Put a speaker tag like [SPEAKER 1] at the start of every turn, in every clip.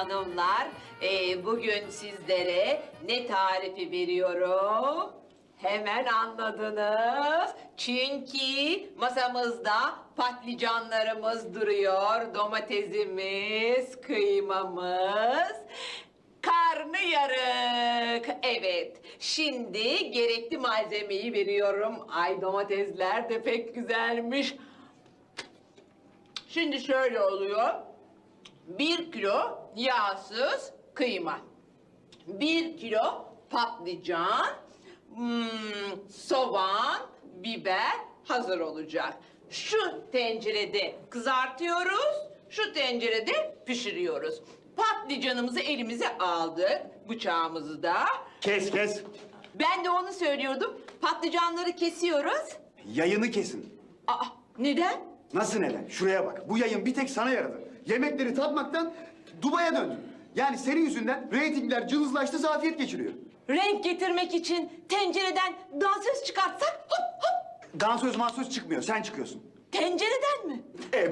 [SPEAKER 1] hanımlar, bugün sizlere ne tarifi veriyorum? Hemen anladınız. Çünkü masamızda patlıcanlarımız duruyor, domatesimiz, kıymamız, karnıyarık. Evet, şimdi gerekli malzemeyi veriyorum. Ay domatesler de pek güzelmiş. Şimdi şöyle oluyor. 1 kilo yağsız kıyma. 1 kilo patlıcan, soğan, biber hazır olacak. Şu tencerede kızartıyoruz, şu tencerede pişiriyoruz. Patlıcanımızı elimize aldık, bıçağımızı da.
[SPEAKER 2] Kes kes.
[SPEAKER 1] Ben de onu söylüyordum. Patlıcanları kesiyoruz.
[SPEAKER 2] Yayını kesin.
[SPEAKER 1] Aa, neden?
[SPEAKER 2] Nasıl neden? Şuraya bak. Bu yayın bir tek sana yaradı. Yemekleri tatmaktan Dubai'ye döndün. Yani senin yüzünden reytingler cılızlaştı, zafiyet geçiriyor.
[SPEAKER 1] Renk getirmek için tencereden dansöz çıkartsak hop hop.
[SPEAKER 2] Dansöz mansöz çıkmıyor, sen çıkıyorsun.
[SPEAKER 1] Tencereden mi?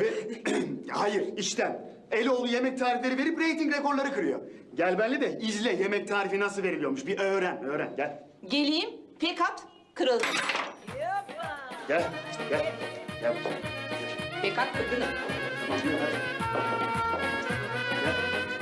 [SPEAKER 2] Hayır, içten. Eloğlu yemek tarifleri verip reyting rekorları kırıyor. Gel benimle de izle yemek tarifi nasıl veriliyormuş. Bir öğren, gel.
[SPEAKER 1] Geleyim, pekat kırıldı.
[SPEAKER 2] Gel. Gel.
[SPEAKER 1] Pekat kırıldı.
[SPEAKER 2] Tamam, yürü hadi. Gel.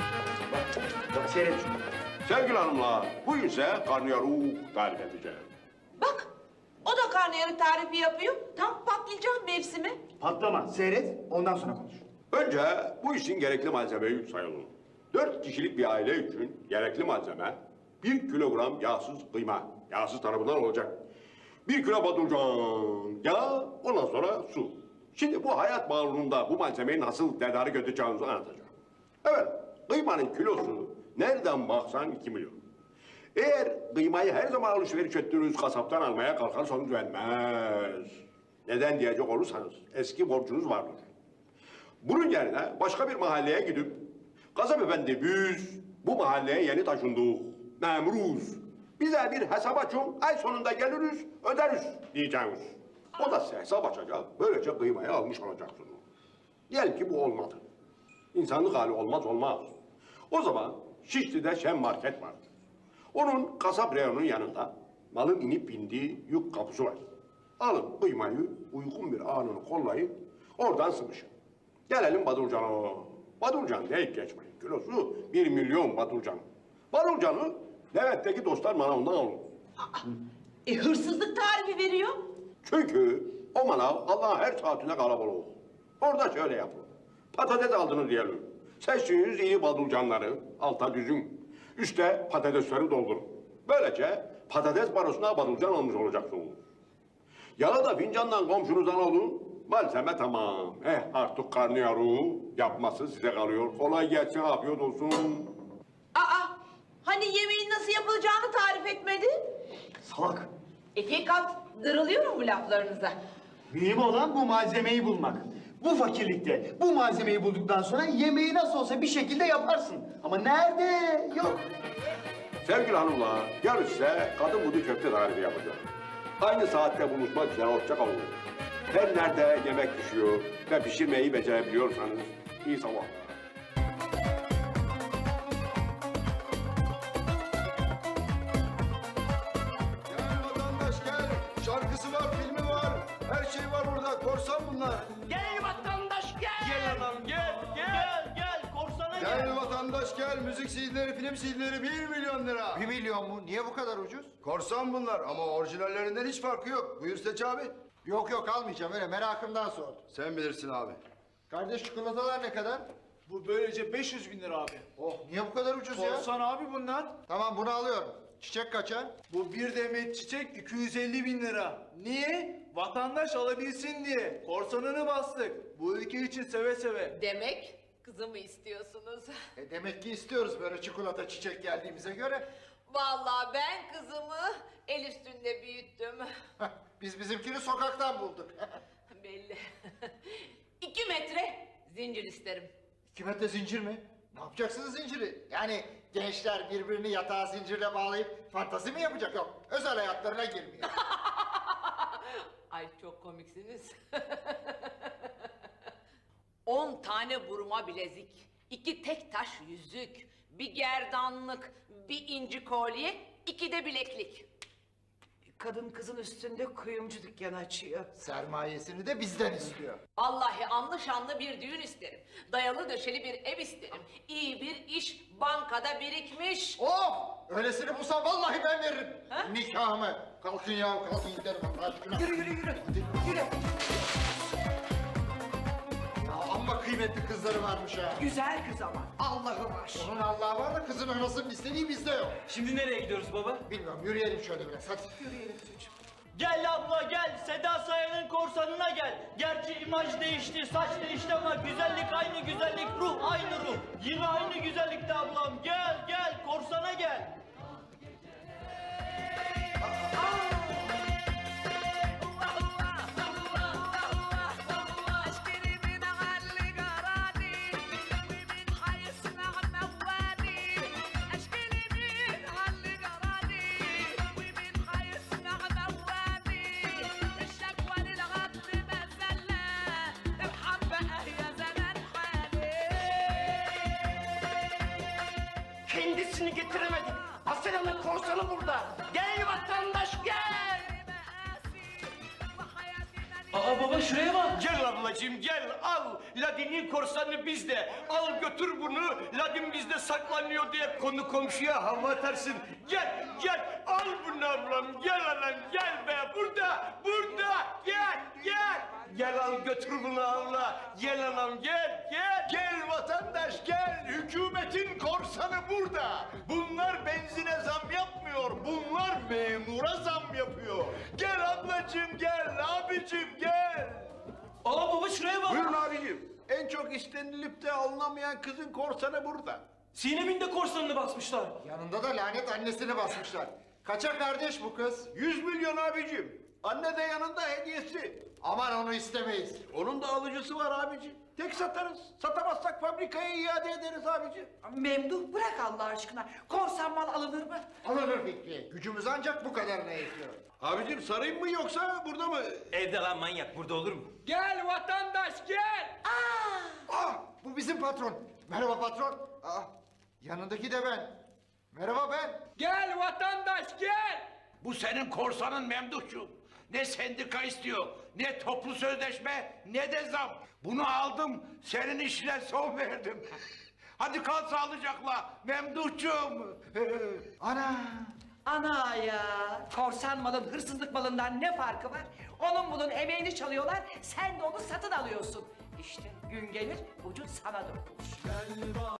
[SPEAKER 2] Bak, seyret şunu.
[SPEAKER 3] Sevgili hanımlar, bu ise karnıyarık tarif edeceğim.
[SPEAKER 1] Bak, o da karnıyarık tarifi yapıyor. Tam patlıcan mevsimi.
[SPEAKER 2] Patlama, seyret, ondan sonra konuş.
[SPEAKER 3] Önce bu işin gerekli malzemeyi sayalım. 4 kişilik bir aile için gerekli malzeme 1 kilogram yağsız kıyma. Yağsız tarafından olacak. 1 kilo patlıcan, yağ, ondan sonra su. Şimdi bu hayat bağlamında bu malzemeyi nasıl tedarik edeceğinizi anlatacağım. Evet, kıymanın kilosu nereden baksan 2 milyon. Eğer kıymayı her zaman alışveriş ettiğiniz kasaptan almaya kalkarsanız vermez. Neden diyecek olursanız eski borcunuz vardır. Bunun yerine başka bir mahalleye gidip kasap efendi biz bu mahalleye yeni taşındık, memuruz. Bize bir hesap açın, ay sonunda geliriz, öderiz diyeceğiz. O da size hesap açacak, böylece kıymayı almış olacaksınız. Diyelim ki bu olmadı. İnsanlık hali olmaz. O zaman Şişli'de Şen Market var. Onun kasap reyonunun yanında malın inip bindiği yük kapısı var. Alın kıymayı uygun bir anını kollayıp oradan sıvışın. Gelelim Badurcan'a. Badurcan deyip geçmeyin. Kilosu 1 milyon Badurcan. Badurcan'ı Levent'teki dostlar manavından alın.
[SPEAKER 1] Hırsızlık tarifi veriyor.
[SPEAKER 3] Çünkü o manav Allah'ın her saatinde kalabalık. Orada şöyle yapın. Patates aldınız diyelim. Seçtiğiniz iyi Badurcanları alta düzün. Üste patatesleri doldurun. Böylece patates parasına Badurcan almış olacaksınız. Yağı da fincandan komşunuzdan alın. Malzeme tamam. Artık karnıyarığı yapması size kalıyor. Kolay gelsin, afiyet olsun.
[SPEAKER 1] Hani yemeğin nasıl yapılacağını tarif etmedi?
[SPEAKER 2] Salak.
[SPEAKER 1] Pekat darılıyor mu laflarınıza?
[SPEAKER 2] Mühim olan bu malzemeyi bulmak. Bu fakirlikte bu malzemeyi bulduktan sonra yemeği nasıl olsa bir şekilde yaparsın. Ama nerede? Yok.
[SPEAKER 3] Sevgili hanımlar, yarın size kadın budu köfte tarifi yapacağım. Aynı saatte buluşmak üzere hoşça kalın. Her nerede yemek pişiyor ve pişirmeyi becerebiliyorsanız iyi sabahlar.
[SPEAKER 4] Gel vatandaş gel. Şarkısı var, filmi var. Her şey var burada. Korsan bunlar.
[SPEAKER 5] Gel vatandaş gel. Gel adam gel. Korsana gel.
[SPEAKER 4] Gel vatandaş gel. Müzik CD'leri, film CD'leri 1 milyon lira.
[SPEAKER 6] 1 milyon mu? Niye bu kadar ucuz?
[SPEAKER 4] Korsan bunlar ama orijinallerinden hiç farkı yok. Buyur Seç abi.
[SPEAKER 6] Yok almayacağım öyle merakımdan sordum.
[SPEAKER 4] Sen bilirsin abi.
[SPEAKER 6] Kardeş çikolatalar ne kadar?
[SPEAKER 5] Bu böylece 500 bin lira abi.
[SPEAKER 6] Oh niye bu kadar ucuz ya?
[SPEAKER 5] Korsan abi bunlar.
[SPEAKER 6] Tamam bunu alıyorum. Çiçek kaça?
[SPEAKER 5] Bu bir demet çiçek 250 bin lira. Niye? Vatandaş alabilsin diye. Korsanını bastık. Bu ülke için seve seve.
[SPEAKER 1] Demek kızımı istiyorsunuz.
[SPEAKER 6] Demek ki istiyoruz böyle çikolata çiçek geldiğimize göre.
[SPEAKER 1] Vallahi ben kızımı el üstünde büyüttüm.
[SPEAKER 6] Biz bizimkini sokaktan bulduk.
[SPEAKER 1] Belli. 2 metre zincir isterim.
[SPEAKER 6] 2 metre zincir mi? Ne yapacaksınız zinciri? Yani gençler birbirini yatağa zincirle bağlayıp fantazi mi yapacak? Yok özel hayatlarına girmiyor.
[SPEAKER 1] Ay çok komiksiniz. 10 tane burma bilezik, 2 tek taş yüzük, bir gerdanlık, bir inci kolye, 2 de bileklik.
[SPEAKER 7] Kadın kızın üstünde kuyumcu dükkanı açıyor.
[SPEAKER 6] Sermayesini de bizden istiyor.
[SPEAKER 1] Vallahi anlı şanlı bir düğün isterim. Dayalı döşeli bir ev isterim. İyi bir iş bankada birikmiş.
[SPEAKER 6] Oh! Öylesini bulsam vallahi ben veririm.
[SPEAKER 1] Ha?
[SPEAKER 6] Nikahımı. Kalkın ya, kalkın gidelim Allah aşkına.
[SPEAKER 7] Yürü yürü yürü. Yürü.
[SPEAKER 6] Ya amma kıymetli kızları varmış ha.
[SPEAKER 7] Güzel kız ama. Allah'ı var.
[SPEAKER 6] Onun Allah'ı var da kızın anasının istediği bizde yok.
[SPEAKER 8] Şimdi nereye gidiyoruz baba?
[SPEAKER 6] Bilmiyorum, yürüyelim şöyle biraz hadi.
[SPEAKER 8] Gel abla gel, Seda Sayan'ın korsanına gel. Gerçi imaj değişti, saç değişti ama güzellik aynı güzellik, ruh aynı ruh. Yine aynı güzellikte ablam. Gel gel, korsana gel.
[SPEAKER 9] Kendisini getiremedik. Asena'nın korsanı burada. Gel vatandaş gel.
[SPEAKER 8] Aa baba şuraya bak.
[SPEAKER 9] Gel ablacığım gel al. Ladin'in korsanı bizde. Al götür bunu. Ladin bizde saklanıyor diye konu komşuya hava atarsın. Gel gel al bunu ablam. Gel anam gel be burada. Burada gel gel. Gel al götür bunu abla. Gel anam gel gel.
[SPEAKER 4] Gel vatandaş gel. Hükümetin korsanı burada. Bunlar benzine zam yapmıyor. Bunlar memura zam yapıyor. Gel ablacığım gel. Abicim gel.
[SPEAKER 8] Aa baba şuraya bak.
[SPEAKER 4] Buyurun abicim. En çok istenilip de alınamayan kızın korsanı burada.
[SPEAKER 8] Sinem'in de korsanını basmışlar.
[SPEAKER 6] Yanında da lanet annesini basmışlar. Kaça kardeş bu kız?
[SPEAKER 4] 100 milyon abicim. Anne de yanında hediyesi.
[SPEAKER 6] Aman onu istemeyiz.
[SPEAKER 4] Onun da alıcısı var abicim. Tek satarız. Satamazsak fabrikaya iade ederiz abicim.
[SPEAKER 7] Memduh bırak Allah aşkına. Korsan mal alınır mı?
[SPEAKER 6] Alınır Fikri. Gücümüz ancak bu kadarına yetiyor.
[SPEAKER 4] Abicim sarayım mı yoksa burada mı?
[SPEAKER 8] Evde lan manyak, burada olur mu?
[SPEAKER 9] Gel vatandaş gel.
[SPEAKER 6] Ah, bu bizim patron. Merhaba patron. Ah, yanındaki de ben. Merhaba ben.
[SPEAKER 9] Gel vatandaş gel.
[SPEAKER 10] Bu senin korsanın Memduhcuğum. Ne sendika istiyor, ne toplu sözleşme, ne de zam. Bunu aldım, senin işine son verdim. Hadi kal sağlıcakla Memduhcuğum.
[SPEAKER 6] Ana.
[SPEAKER 7] Ana ya. Korsan malın hırsızlık malından ne farkı var? Onun bunun emeğini çalıyorlar. Sen de onu satın alıyorsun. İşte gün gelir ucu sana dokunur.